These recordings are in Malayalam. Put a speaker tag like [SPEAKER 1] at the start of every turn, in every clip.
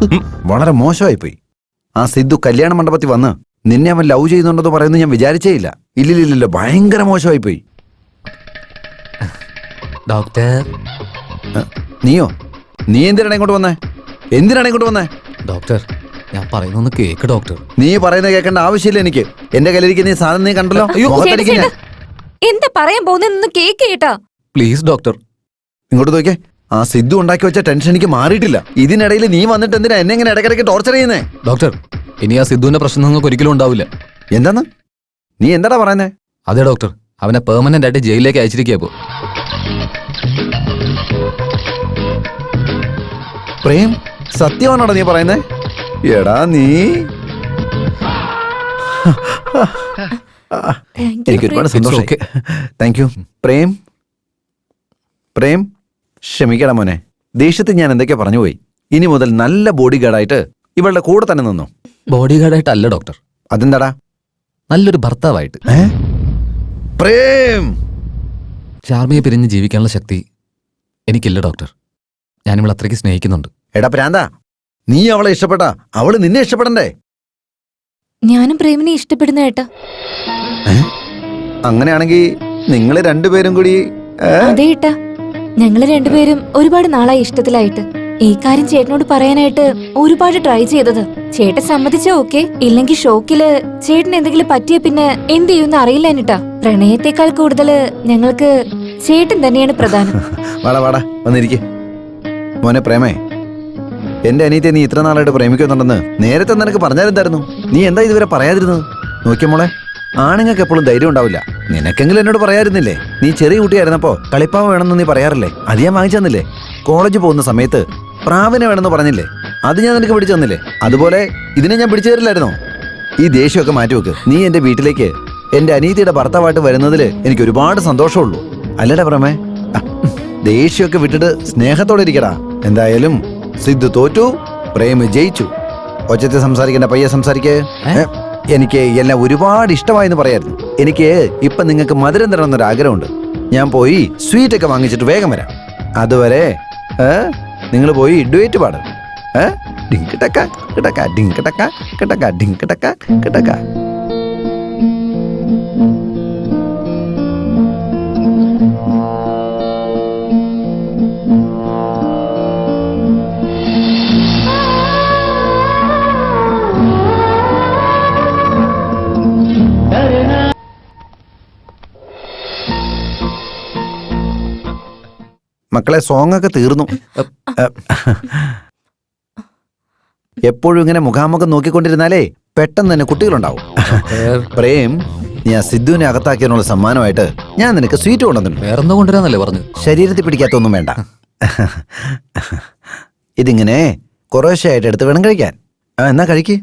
[SPEAKER 1] വളരെ മോശമായിപ്പോയി. ആ സിദ്ധു കല്യാണ മണ്ഡപത്തിൽ വന്ന് നിന്നെ അവൻ ലവ് ചെയ്യുന്നുണ്ടെന്ന് പറയുന്നത് ഞാൻ വിചാരിച്ചേ ഇല്ല. ഇല്ലില്ല, ഭയങ്കര മോശമായിപ്പോയി.
[SPEAKER 2] ഡോക്ടർ.
[SPEAKER 1] നീയോ? നീ എന്തിനാണ് ഇങ്ങോട്ട് വന്നേ?
[SPEAKER 2] ഡോക്ടർ, ഞാൻ പറയുന്നൊന്ന് കേക്ക് ഡോക്ടർ.
[SPEAKER 1] നീ പറയുന്നത് കേൾക്കേണ്ട ആവശ്യമില്ല എനിക്ക്. എന്റെ കയ്യിലിരിക്കുന്ന ഈ സാധനം നീ കണ്ടല്ലോ.
[SPEAKER 3] എന്താ പറയാൻ പോകുന്ന കേക്ക് കേട്ടാ?
[SPEAKER 2] Please doctor.
[SPEAKER 1] ഇങ്ങോട്ട് നോക്കിയേ. ആ സിദ്ധു ഉണ്ടാക്കി വെച്ച ടെൻഷൻ എനിക്ക് മാറിയിട്ടില്ല. ഇതിനിടയിൽ നീ വന്നിട്ട് എന്തിനാ എന്നെ ഇങ്ങനെ ഇടയ്ക്കിടയ്ക്ക് ടോർച്ചർ ചെയ്യുന്നേ?
[SPEAKER 2] ഡോക്ടർ, ഇനി ആ സിദ്ധുവിന്റെ പ്രശ്നം നിങ്ങൾക്ക് ഒരിക്കലും ഉണ്ടാവില്ല.
[SPEAKER 1] എന്താന്ന്? നീ എന്താടാ പറയുന്നേ?
[SPEAKER 2] അതെ ഡോക്ടർ, അവനെ പെർമനന്റ് ആയിട്ട് ജയിലിലേക്ക് അയച്ചിരിക്കുക.
[SPEAKER 1] പ്രേം, സത്യമാണോടാ നീ പറയുന്നേ? എടാ നീ എനിക്ക് ഒരുപാട് സന്തോഷം. Thank you Prem. ക്ഷമിക്കടാ മോനെ, ദേഷ്യത്തിൽ ഞാൻ എന്തൊക്കെയാ പറഞ്ഞു പോയി. ഇനി മുതൽ നല്ല ബോഡി ഗാർഡായിട്ട് ഇവളുടെ കൂടെ തന്നെ നിന്നു.
[SPEAKER 2] ബോഡി ഗാർഡായിട്ടല്ല ഡോക്ടർ.
[SPEAKER 1] അതെന്താടാ?
[SPEAKER 2] നല്ലൊരു ഭർത്താവായിട്ട്.
[SPEAKER 1] പ്രേം,
[SPEAKER 2] ചാർമിയെ പിരിഞ്ഞ് ജീവിക്കാനുള്ള ശക്തി എനിക്കില്ല ഡോക്ടർ. ഞാനിവളെ അത്രയ്ക്ക് സ്നേഹിക്കുന്നുണ്ട്.
[SPEAKER 1] എടാ പ്രാന്താ, നീ അവളെ ഇഷ്ടപ്പെട്ടാ അവള് നിന്നെ ഇഷ്ടപ്പെടണ്ടേ?
[SPEAKER 3] ഞാനും പ്രേമിനെ ഇഷ്ടപ്പെടുന്ന ഏട്ടാ.
[SPEAKER 1] അങ്ങനെയാണെങ്കിൽ നിങ്ങള് രണ്ടുപേരും കൂടി
[SPEAKER 3] അതെ ഏട്ടാ, ഞങ്ങള് രണ്ടുപേരും ഒരുപാട് നാളായി ഇഷ്ടത്തിലായിട്ട്. ഈ കാര്യം ചേട്ടനോട് പറയാനായിട്ട് ഒരുപാട് ട്രൈ ചെയ്തത്. ചേട്ടൻ സമ്മതിച്ചാ ഓക്കെ, ഇല്ലെങ്കിൽ ഷോക്കില് ചേട്ടന് എന്തെങ്കിലും പറ്റിയ പിന്നെ എന്ത് ചെയ്യുമെന്ന് അറിയില്ല എന്നിട്ടാ. പ്രണയത്തെക്കാൾ കൂടുതല് ഞങ്ങൾക്ക് ചേട്ടൻ തന്നെയാണ് പ്രധാനം.
[SPEAKER 1] വാടാ വന്നിരിക്കെ. മോനെ പ്രേമേ, എന്റെ അനിയത്തെ നീ ഇത്ര നാളായിട്ട് പ്രേമിക്കുന്നുണ്ടെന്ന് നേരത്തെ നിനക്ക് പറഞ്ഞാലെന്തായിരുന്നു? നീ എന്താ ഇതുവരെ പറയാതിരുന്നത്? നോക്കിയ മോളെ, ആണുങ്ങൾക്ക് എപ്പോഴും ധൈര്യം ഉണ്ടാവില്ല. നിനക്കെങ്കിലും എന്നോട് പറയാതിരുന്നില്ലേ? നീ ചെറിയ കുട്ടിയായിരുന്നപ്പോ കളിപ്പാവ് വേണമെന്ന് നീ പറയാറില്ലേ? അത് ഞാൻ വാങ്ങിച്ചു തന്നില്ലേ? കോളേജ് പോകുന്ന സമയത്ത് പ്രാവിനെ വേണമെന്ന് പറഞ്ഞില്ലേ? അത് ഞാൻ നിനക്ക് പിടിച്ചു തന്നില്ലേ? അതുപോലെ ഇതിനെ ഞാൻ പിടിച്ചു തരില്ലായിരുന്നോ? ഈ ദേഷ്യമൊക്കെ മാറ്റിവെക്ക്. നീ എന്റെ വീട്ടിലേക്ക് എന്റെ അനിയത്തിയുടെ ഭർത്താവായിട്ട് വരുന്നതിൽ എനിക്ക് ഒരുപാട് സന്തോഷമുള്ളൂ. അല്ലടാ പ്രമേ, ദേഷ്യമൊക്കെ വിട്ടിട്ട് സ്നേഹത്തോടെ ഇരിക്കടാ. എന്തായാലും സിദ്ധു തോറ്റു, പ്രേമ് ജയിച്ചു. ഒച്ചത്തിൽ സംസാരിക്കണ്ട, പയ്യെ സംസാരിക്കേ. എനിക്ക് എല്ലാം ഒരുപാട് ഇഷ്ടമായെന്ന് പറയായിരുന്നു. എനിക്ക് ഇപ്പൊ നിങ്ങൾക്ക് മധുരം തരണമെന്നൊരു ആഗ്രഹമുണ്ട്. ഞാൻ പോയി സ്വീറ്റ് ഒക്കെ വാങ്ങിച്ചിട്ട് വേഗം വരാം. അതുവരെ നിങ്ങൾ പോയി ഡുവേറ്റ് പാട്. ഡിങ്ക് ടക്ക കിടക്ക ഡിങ്ക് ടക്ക കിടക്ക ഡിങ്ക് ടക്ക കിടക്ക. മക്കളെ, സോങ് ഒക്കെ തീർന്നു. എപ്പോഴും ഇങ്ങനെ മുഖാമുഖം നോക്കിക്കൊണ്ടിരുന്നാലേ പെട്ടെന്ന് തന്നെ കുട്ടികളുണ്ടാവും. പ്രേം, ഞാൻ സിദ്ധുവിനെ അകത്താക്കിയതിനുള്ള സമ്മാനമായിട്ട് ഞാൻ നിനക്ക് സ്വീറ്റ് കൊണ്ടുവന്നിട്ടുണ്ട്.
[SPEAKER 2] വേറെന്തോ കൊണ്ടുവരാന്നല്ലേ പറഞ്ഞു?
[SPEAKER 1] ശരീരത്തിൽ പിടിക്കാത്തൊന്നും വേണ്ട. ഇതിങ്ങനെ കുറേശ്ശെയായിട്ട് എടുത്ത് വേണം കഴിക്കാൻ. എന്നാ കഴിക്ക്.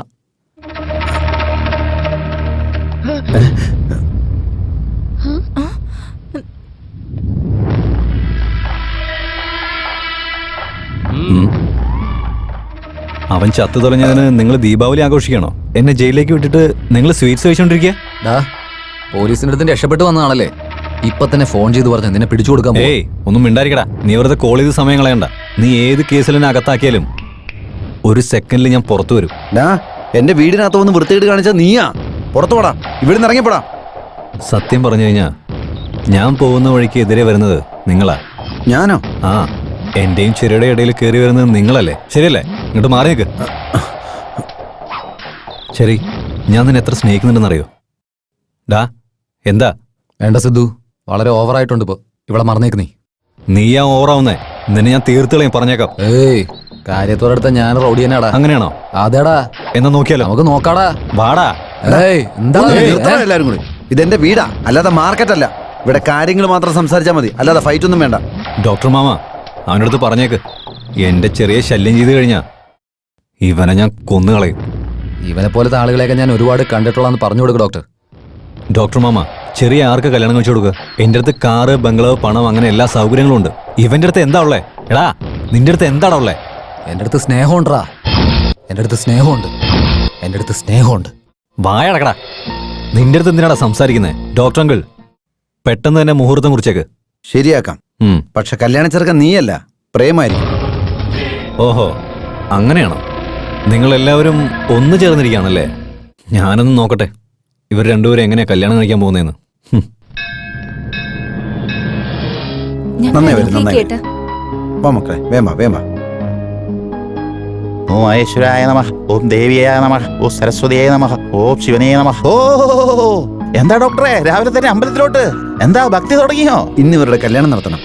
[SPEAKER 4] അവൻ ചത്തു തുടങ്ങിയതിന് നിങ്ങൾ ദീപാവലി ആഘോഷിക്കണോ? എന്നെ ജയിലിലേക്ക് വിട്ടിട്ട് നിങ്ങൾ സ്വീറ്റ്സ് കഴിച്ചോണ്ടിരിക്കുക?
[SPEAKER 2] പോലീസിന്റെ അടുത്ത് രക്ഷപ്പെട്ടു വന്നതാണല്ലേ? ഇപ്പൊ തന്നെ ഫോൺ ചെയ്ത് പറഞ്ഞു നിന്നെ പിടിച്ചു കൊടുക്കാൻ.
[SPEAKER 4] ഏയ്, ഒന്നും മിണ്ടായിരിക്കടാ. നീ വെറുതെ കോൾ ചെയ്ത് സമയം കളയണ്ട. നീ ഏത് കേസിൽ എന്നെ അകത്താക്കിയാലും ഒരു സെക്കൻഡിൽ ഞാൻ പുറത്തു വരും.
[SPEAKER 1] എന്റെ വീടിനകത്ത് വന്ന് വൃത്തികേട് കാണിച്ചാ നീയാ. പുറത്തു പോടാ, ഇവിടുന്ന് ഇറങ്ങിപ്പോടാ.
[SPEAKER 4] സത്യം പറഞ്ഞു കഴിഞ്ഞാ ഞാൻ പോകുന്ന വഴിക്ക് എതിരെ വരുന്നത് നിങ്ങളാ.
[SPEAKER 1] ഞാനോ?
[SPEAKER 4] ആ, എന്റെയും ചെറിയുടെ ഇടയിൽ കയറി വരുന്നത് നിങ്ങളല്ലേ? ശരിയല്ലേ? ഇങ്ങോട്ട് മാറി നിൽക്ക്. ശരി, ഞാൻ നിന്നെ എത്ര സ്നേഹിക്കുന്നുണ്ടെന്നറിയോ? എന്താ?
[SPEAKER 2] വേണ്ട സിദ്ധു, വളരെ ഓവറായിട്ടുണ്ട് ഇപ്പൊ. ഇവിടെ മറന്നേക്ക്.
[SPEAKER 4] നീയാ ഓവറാവുന്നേ. നിന്നെ ഞാൻ തീർത്തുകളയും, പറഞ്ഞേക്കാം.
[SPEAKER 2] ഏയ്, കാര്യത്തോടടുത്ത ഞാൻ റൗഡി തന്നെയാടാ.
[SPEAKER 4] അങ്ങനെയാണോ?
[SPEAKER 2] അതേടാ.
[SPEAKER 4] എന്നാ നോക്കിയാലോ?
[SPEAKER 2] നമുക്ക് നോക്കാടാ.
[SPEAKER 4] വാടാ.
[SPEAKER 1] എല്ലാരും കൂടി. ഇതെന്റെ വീടാ, അല്ലാതെ മാർക്കറ്റ് അല്ല. ഇവിടെ കാര്യങ്ങൾ മാത്രം സംസാരിച്ചാൽ മതി, അല്ലാതെ ഫൈറ്റ് ഒന്നും വേണ്ട.
[SPEAKER 4] ഡോക്ടർ മാമ, അവനടുത്ത് പറഞ്ഞേക്ക്, എന്റെ ചെറിയ ശല്യം ചെയ്ത് കഴിഞ്ഞാ ഇവനെ ഞാൻ കൊന്നുകളയും.
[SPEAKER 2] ഇവനെ പോലത്തെ ആളുകളെയൊക്കെ ഞാൻ ഒരുപാട് കണ്ടിട്ടുള്ളതെന്ന് പറഞ്ഞു കൊടുക്കും ഡോക്ടർ.
[SPEAKER 4] ഡോക്ടർ മാമ, ചെറിയ ആർക്ക് കല്യാണം കഴിച്ചു കൊടുക്കുക? എന്റെ അടുത്ത് കാറ്, ബംഗ്ലാവ്, പണം, അങ്ങനെ എല്ലാ സൗകര്യങ്ങളും ഉണ്ട്. ഇവന്റെ അടുത്ത് എന്താ ഉള്ളേ? എടാ, നിന്റെ അടുത്ത് എന്താടാ ഉള്ളേ?
[SPEAKER 2] എന്റെ അടുത്ത് സ്നേഹമുണ്ടാ. എന്റെ അടുത്ത് സ്നേഹമുണ്ട്. എന്റെ അടുത്ത് സ്നേഹമുണ്ട്.
[SPEAKER 4] വായടക്കടാ. നിന്റെ അടുത്ത് എന്തിനാടാ സംസാരിക്കുന്നേ? ഡോക്ടർ അങ്കിൾ, പെട്ടെന്ന് തന്നെ മുഹൂർത്തം കുറിച്ചേക്ക്.
[SPEAKER 1] ശരിയാക്കാം. പക്ഷെ കല്യാണ ചെറുക്കൻ നീയല്ല, പ്രേമായിരിക്കും.
[SPEAKER 4] ഓഹോ, അങ്ങനെയാണോ? നിങ്ങൾ എല്ലാവരും ഒന്നു ചേർന്നിരിക്കുകയാണല്ലേ? ഞാനൊന്ന് നോക്കട്ടെ ഇവർ രണ്ടുപേരും എങ്ങനെയാ കല്യാണം കഴിക്കാൻ പോകുന്നതെന്ന്.
[SPEAKER 1] നന്നായി വരും,
[SPEAKER 3] ഞങ്ങൾ
[SPEAKER 1] നന്നായി
[SPEAKER 3] കേട്ടാ
[SPEAKER 1] വാ മക്കളെ, വേമ്പ വേമ്പ.
[SPEAKER 5] ഓം മഹേശ്വരായ നമഃ, ഓം ദേവിയായ നമഃ, ഓം സരസ്വതിയായ നമഃ, ഓം ശിവനേ നമഃ. ഓ എന്താ ഡോക്ടറെ രാവിലെ തന്നെ അമ്പലത്തിലോട്ട്? എന്താ ഭക്തി തുടങ്ങിയോ?
[SPEAKER 1] ഇന്ന് ഇവരുടെ കല്യാണം നടത്തണം.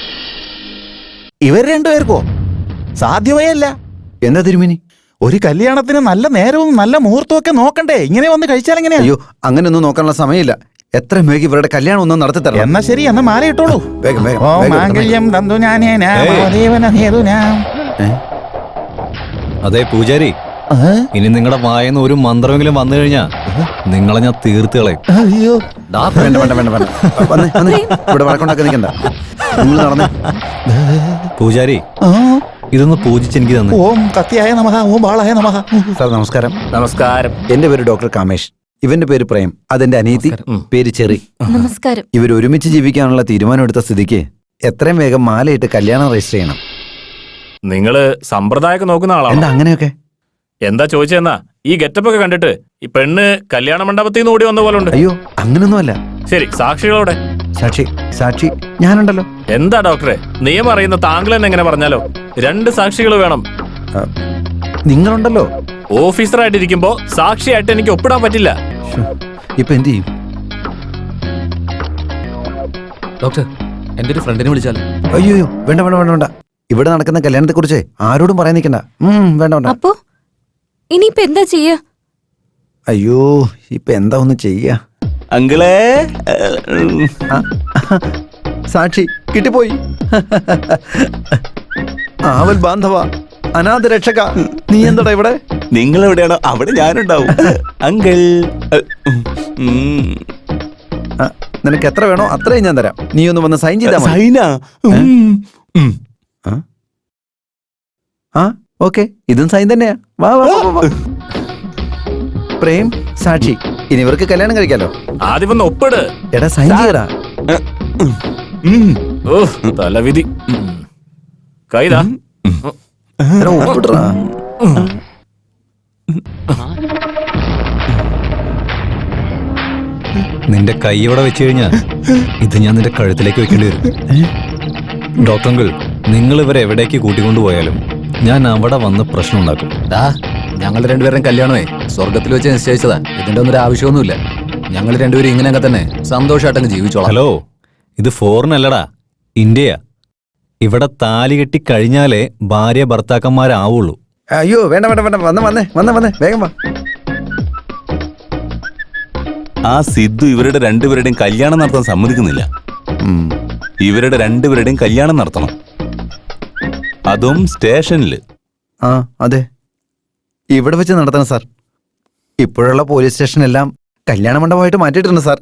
[SPEAKER 5] ഇവർ രണ്ടുപേർക്കോ? സാധ്യമേ അല്ല.
[SPEAKER 1] എന്താ തിരുമേനി?
[SPEAKER 5] ഒരു കല്യാണത്തിന് നല്ല നേരവും നല്ല മുഹൂർത്തവും ഒക്കെ നോക്കണ്ടേ? ഇങ്ങനെ വന്ന് കഴിച്ചാൽ എങ്ങനെയാ?
[SPEAKER 1] അയ്യോ, അങ്ങനെയൊന്നും നോക്കാനുള്ള സമയമില്ല. എത്ര വേഗം ഇവരുടെ കല്യാണം ഒന്നും നടത്തി തരണം.
[SPEAKER 5] എന്നാ ശരി, എന്നാ മാല ഇട്ടോളൂ.
[SPEAKER 1] വേഗം വേഗം
[SPEAKER 5] ഓം
[SPEAKER 1] വേഗം
[SPEAKER 5] മാംഗല്യം തന്തു ഞാനേന മഹാദേവന ഹേതുനാം.
[SPEAKER 1] ഏ?
[SPEAKER 4] അതെ പൂജാരി, ഇനി നിങ്ങളുടെ വായന്ന് ഒരു മന്ത്രമെങ്കിലും വന്നു കഴിഞ്ഞാ നിങ്ങളെ ഞാൻ തീർത്ത് കളയും.
[SPEAKER 5] അയ്യോ
[SPEAKER 1] വേണ്ട വേണ്ട വേണ്ട വേണ്ട. വന്നേ വന്നേ, ഇവിടെ വഴക്കുണ്ടാക്കി നിൽക്കണ്ട. നിങ്ങൾ നടന്നേ.
[SPEAKER 4] പൂജാരി,
[SPEAKER 5] ആ,
[SPEAKER 4] ഇതൊന്ന് പൂജിച്ച് എനിക്ക് തന്നെ.
[SPEAKER 5] ഓം കത്തിയായ നമഃ, ഓം ബാളായ നമഃ.
[SPEAKER 1] സാർ നമസ്കാരം.
[SPEAKER 6] നമസ്കാരം.
[SPEAKER 1] എന്റെ പേര് ഡോക്ടർ കാമേഷ്. ഇവന്റെ പേര് പ്രേം. അതെന്റെ അനിയത്തി, പേര് ചെറി.
[SPEAKER 3] നമസ്കാരം.
[SPEAKER 1] ഇവർ ഒരുമിച്ച് ജീവിക്കാനുള്ള തീരുമാനമെടുത്ത സ്ഥിതിക്ക് എത്രയും വേഗം മാലയിട്ട് കല്യാണം രജിസ്റ്റർ ചെയ്യണം.
[SPEAKER 6] നിങ്ങള് സമ്പ്രദായമൊക്കെ നോക്കുന്ന ആളാണോ?
[SPEAKER 1] എന്താ അങ്ങനെയൊക്കെ?
[SPEAKER 6] എന്താ ചോദിച്ചെന്നാ? ഈ ഗെറ്റപ്പ് ഒക്കെ കണ്ടിട്ട് ഈ പെണ്ണ് കല്യാണ മണ്ഡപത്തിൽ നിന്ന് ഓടി വന്ന പോലെ ഉണ്ട്.
[SPEAKER 1] അയ്യോ, അങ്ങനൊന്നുമല്ല.
[SPEAKER 6] ശരി, സാക്ഷികളോടെ.
[SPEAKER 1] സാക്ഷി സാക്ഷി ഞാനുണ്ടല്ലോ.
[SPEAKER 6] എന്താ ഡോക്ടറെ, നിയമം അറിയുന്ന താങ്കൾ തന്നെ എങ്ങനെ പറഞ്ഞാലോ? 2 സാക്ഷികൾ വേണം.
[SPEAKER 1] ആ, നിങ്ങളുണ്ടല്ലോ.
[SPEAKER 6] ഓഫീസറായിട്ടിരിക്കുമ്പോ സാക്ഷിയായിട്ട് എനിക്ക് ഒപ്പിടാൻ പറ്റില്ല.
[SPEAKER 1] ശ്ശോ, ഇപ്പൊ എന്ത് ചെയ്യും?
[SPEAKER 2] ഡോക്ടർ, എൻ്റെ ഒരു ഫ്രണ്ടിനെ വിളിച്ചാലോ?
[SPEAKER 1] അയ്യോ വേണ്ട വേണ്ട വേണ്ട വേണ്ട. ഇവിടെ നടക്കുന്ന കല്യാണത്തെ കുറിച്ച് ആരോടും പറയാൻ നിൽക്കണ്ട. വേണ്ട വേണ്ട.
[SPEAKER 3] അപ്പോ ഇനിയിപ്പോ എന്താ ചെയ്യാ?
[SPEAKER 1] അയ്യോ, ഇപ്പൊ എന്താ ഒന്ന് ചെയ്യാ?
[SPEAKER 5] അങ്കിളേ,
[SPEAKER 1] ആ, സാക്ഷി കിട്ടിപ്പോയി. ആവൽ ബാന്ധവ, അനാഥ രക്ഷക, നീ എന്താടാ ഇവിടെ?
[SPEAKER 5] നിങ്ങൾ എവിടെയാണോ അവിടെ ഞാനുണ്ടാവും. അങ്കിൾ,
[SPEAKER 1] ആ, നിനക്ക് എത്ര വേണോ അത്രയും ഞാൻ തരാം. നീ ഒന്ന് വന്ന് സൈൻ ചെയ്താ മതി.
[SPEAKER 5] സൈന.
[SPEAKER 1] ആ ഓക്കെ, ഇതും സൈൻ തന്നെയാ. വാ വാ വാ, വാ. പ്രേം, സാക്ഷി, ഇനി ഇവർക്ക് കല്യാണം കഴിക്കാലോ.
[SPEAKER 6] ആദ്യം ഒന്ന് ഒപ്പിട്.
[SPEAKER 1] എടാ സൈൻ ചെയ്യടാ.
[SPEAKER 6] ഓ തലവിധി. കൈതാ.
[SPEAKER 1] എടാ, ഒപ്പിട്രാ.
[SPEAKER 4] നിന്റെ കൈ ഇവിടെ വെച്ച് കഴിഞ്ഞാ ഇത് ഞാൻ നിന്റെ കഴുത്തിലേക്ക് വെക്കേണ്ടി വരും. ഡോക്ടർ അങ്കിൾ, നിങ്ങൾ ഇവരെ എവിടേക്ക് കൂട്ടിക്കൊണ്ടുപോയാലും ഞാൻ അവിടെ വന്ന് പ്രശ്നം ഉണ്ടാക്കും.
[SPEAKER 2] ഞങ്ങൾ രണ്ടുപേരും കല്യാണമേ സ്വർഗത്തിൽ വെച്ച് നിശ്ചയിച്ചതാ. ഇതിന്റെ ഒന്നും ഒരു ആവശ്യമൊന്നുമില്ല. ഞങ്ങൾ രണ്ടുപേരും ഇങ്ങനെയൊക്കെ തന്നെ സന്തോഷമായിട്ടങ്ങ് ജീവിച്ചോളാം.
[SPEAKER 4] ഹലോ, ഇത് ഫോറിൻ അല്ലടാ, ഇന്ത്യയാ. ഇവിടെ താലി കെട്ടി കഴിഞ്ഞാലേ ഭാര്യ ഭർത്താക്കന്മാരാവുള്ളൂ.
[SPEAKER 1] അയ്യോ വേണ്ട വേണ്ട വേണ്ട. വന്നേ വേഗം വാ.
[SPEAKER 7] ആ സിദ്ധു ഇവരുടെ രണ്ടുപേരുടെയും കല്യാണം നടത്താൻ സമ്മതിക്കുന്നില്ല. ഇവരുടെ രണ്ടുപേരുടെയും കല്യാണം നടത്തണം, അതും സ്റ്റേഷനില്.
[SPEAKER 1] ആ അതെ, ഇവിടെ വെച്ച് നടത്തണം സാർ. ഇപ്പോഴുള്ള പോലീസ് സ്റ്റേഷനെല്ലാം കല്യാണ മണ്ഡപമായിട്ട് മാറ്റിയിട്ടുണ്ട് സാർ.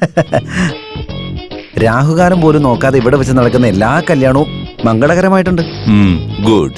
[SPEAKER 1] രാഹുകാലം പോലും നോക്കാതെ ഇവിടെ വെച്ച് നടക്കുന്ന എല്ലാ കല്യാണവും മംഗളകരമായിട്ടുണ്ട്.
[SPEAKER 7] ഗുഡ്.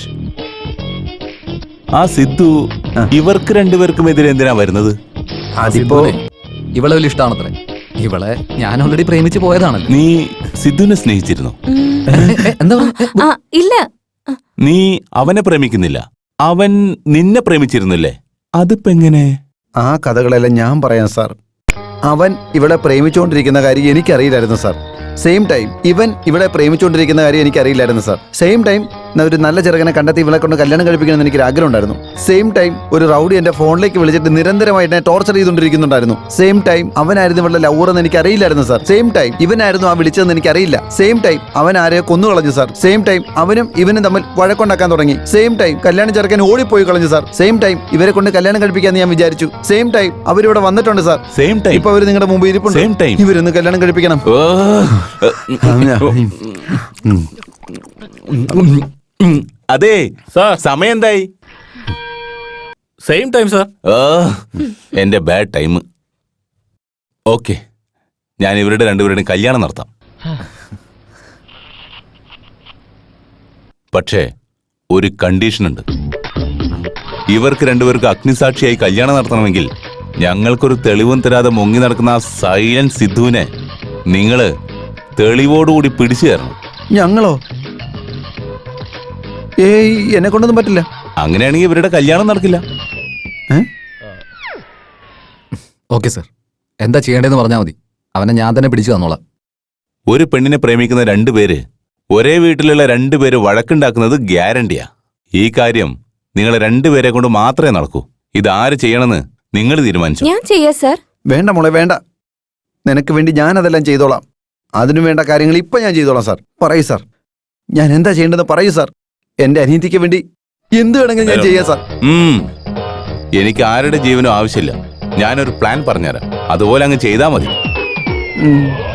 [SPEAKER 7] ആ സിദ്ധു ഇവർക്ക് രണ്ടുപേർക്കും എതിരെ എന്തിനാ വരുന്നത്?
[SPEAKER 1] അതിപ്പോ
[SPEAKER 2] ഇവളെ വലിയ ഇഷ്ടമാണത്രേ. ഇവളെ ഞാൻ ഓൾറെഡി പ്രേമിച്ച് പോയതാണല്ലോ.
[SPEAKER 7] നീ സിദ്ധുവിനെ സ്നേഹിച്ചിരുന്നോ?
[SPEAKER 2] എന്താ
[SPEAKER 3] ആ ഇല്ല.
[SPEAKER 7] നീ അവനെ പ്രേമിക്കുന്നില്ല, അവൻ നിന്നെ പ്രേമിച്ചിരുന്നില്ലേ? അതിപ്പോ എങ്ങനെ?
[SPEAKER 1] ആ കഥകളെല്ലാം ഞാൻ പറയാം സാർ. അവൻ ഇവിടെ പ്രേമിച്ചുകൊണ്ടിരിക്കുന്ന കാര്യം എനിക്കറിയില്ലായിരുന്നു സാർ. സെയിം ടൈം ഇവൻ ഇവിടെ പ്രേമിച്ചുകൊണ്ടിരിക്കുന്ന കാര്യം എനിക്കറിയില്ലായിരുന്നു സാർ. സെയിം ടൈം ഒരു നല്ല ചെറുക്കനെ കണ്ടെത്തി ഇവളെ കൊണ്ട് കല്യാണം കഴിപ്പിക്കണമെന്ന് എനിക്കൊരു ആഗ്രഹം ഉണ്ടായിരുന്നു. സെയിം ടൈം ഒരു റൗഡി എന്റെ ഫോണിലേക്ക് വിളിച്ചിട്ട് നിരന്തരമായിട്ട് എന്നെ ടോർച്ചർ ചെയ്തുകൊണ്ടിരിക്കുന്നുണ്ടായിരുന്നു. സെയിം ടൈം അവനായിരുന്നു ഇവളുടെ ലവർ എന്ന് എനിക്ക് അറിയില്ലായിരുന്നു സാർ. സെയിം ടൈം ഇവനായിരുന്നു ആ വിളിച്ചതെന്ന് എനിക്കറിയില്ല. സെയിം ടൈം അവൻ ആരെയോ കൊന്നു കളഞ്ഞു സാർ. സെയിം ടൈം അവനും ഇവനും തമ്മിൽ വഴക്കുണ്ടാക്കാൻ തുടങ്ങി. സെയിം ടൈം കല്യാണം ചെറുക്കൻ ഓടിപ്പോയി കളഞ്ഞു സാർ. സെയിം ടൈം ഇവരെ കൊണ്ട് കല്യാണം കഴിപ്പിക്കാന്ന് ഞാൻ വിചാരിച്ചു. സെയിം ടൈം അവരിവിടെ വന്നിട്ടുണ്ട് സാർ.
[SPEAKER 7] സെയിം ടൈം
[SPEAKER 1] ഇപ്പൊ അവര് നിങ്ങളുടെ മുമ്പ് ഇരിപ്പുണ്ട്.
[SPEAKER 7] Same time.
[SPEAKER 1] ഇവരൊന്ന് കല്യാണം കഴിപ്പിക്കണം.
[SPEAKER 7] അതെ
[SPEAKER 6] സാർ,
[SPEAKER 7] സമയം എന്തായി?
[SPEAKER 6] Same time sir.
[SPEAKER 7] എന്റെ ബാഡ് ടൈം. ഓക്കെ, ഞാൻ ഇവരുടെ രണ്ടുപേരുടെയും കല്യാണം നടത്താം. പക്ഷേ ഒരു കണ്ടീഷൻ ഉണ്ട്. ഇവർക്ക് രണ്ടുപേർക്ക് അഗ്നിസാക്ഷിയായി കല്യാണം നടത്തണമെങ്കിൽ ഞങ്ങൾക്കൊരു തെളിവും തരാതെ മുങ്ങി നടക്കുന്ന ആ സൈലന്റ് സിദ്ധുവിനെ നിങ്ങള് തെളിവോടുകൂടി പിടിച്ചു തരണം.
[SPEAKER 1] ഞങ്ങളോ? ഏയ്, എന്നെ കൊണ്ടൊന്നും പറ്റില്ല.
[SPEAKER 7] അങ്ങനെയാണെങ്കിൽ ഇവരുടെ കല്യാണം നടക്കില്ല.
[SPEAKER 2] ഓക്കെ സർ, എന്താ ചെയ്യേണ്ടതെന്ന് പറഞ്ഞാൽ മതി. അവനെ ഞാൻ തന്നെ പിടിച്ചു തന്നോളാം.
[SPEAKER 7] ഒരു പെണ്ണിനെ പ്രേമിക്കുന്ന രണ്ടുപേര് ഒരേ വീട്ടിലുള്ള രണ്ടുപേര് വഴക്കുണ്ടാക്കുന്നത് ഗ്യാരണ്ടിയാ. ഈ കാര്യം നിങ്ങളെ രണ്ടുപേരെ കൊണ്ട് മാത്രമേ നടക്കൂ. ഇതാര് ചെയ്യണമെന്ന് നിങ്ങൾ തീരുമാനിച്ചു.
[SPEAKER 3] ഞാൻ ചെയ്യാ സർ.
[SPEAKER 1] വേണ്ട മോളെ വേണ്ട, നിനക്ക് വേണ്ടി ഞാൻ അതെല്ലാം ചെയ്തോളാം. അതിനു വേണ്ട കാര്യങ്ങൾ ഇപ്പൊ ഞാൻ ചെയ്തോളാം സാർ. പറയൂ സാർ, ഞാൻ എന്താ ചെയ്യേണ്ടത് പറയൂ സാർ. എന്റെ അനിയത്തിക്ക് വേണ്ടി എന്ത് വേണമെങ്കിലും ഞാൻ ചെയ്യാം സാർ.
[SPEAKER 7] എനിക്ക് ആരുടെ ജീവനും ആവശ്യമില്ല. ഞാനൊരു പ്ലാൻ പറഞ്ഞുതരാം, അതുപോലെ അങ്ങ് ചെയ്താൽ മതി.
[SPEAKER 1] ഉം.